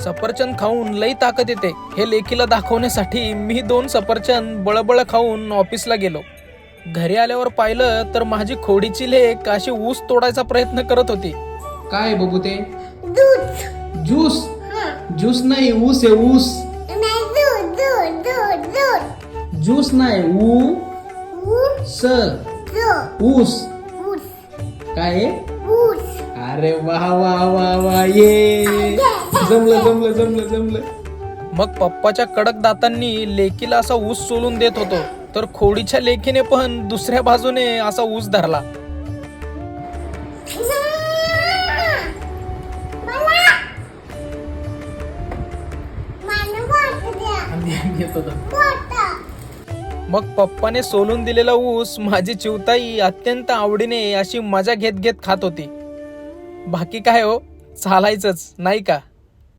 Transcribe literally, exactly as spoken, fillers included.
सफरचंद खाऊन लई ताकद येते हे लेकीला दाखवण्यासाठी मी दोन सफरचंद बळबळ खाऊन ऑफिसला गेलो. घरी आल्यावर पाहिलं तर माझी खोडीची लेक अशी ऊस तोडायचा प्रयत्न करत होती. काय बघू ते ज्यूस ज्यूस नाही ऊस आहे ऊस. ज्यूस नाही ऊ स ऊस. काय अरे वा वा वा वा ये जमलं जमलं जमलं जमलं. मग पप्पाच्या कडक दातांनी लेकीला असा ऊस सोलून देत होतो तर खोडीच्या लेकीने पण दुसऱ्या बाजूने असा ऊस धरला. मग पप्पाने सोलून दिलेला ऊस माझी चिवताई अत्यंत आवडीने अशी मजा घेत घेत खात होती. बाकी काय हो, चालायचंच नाही का.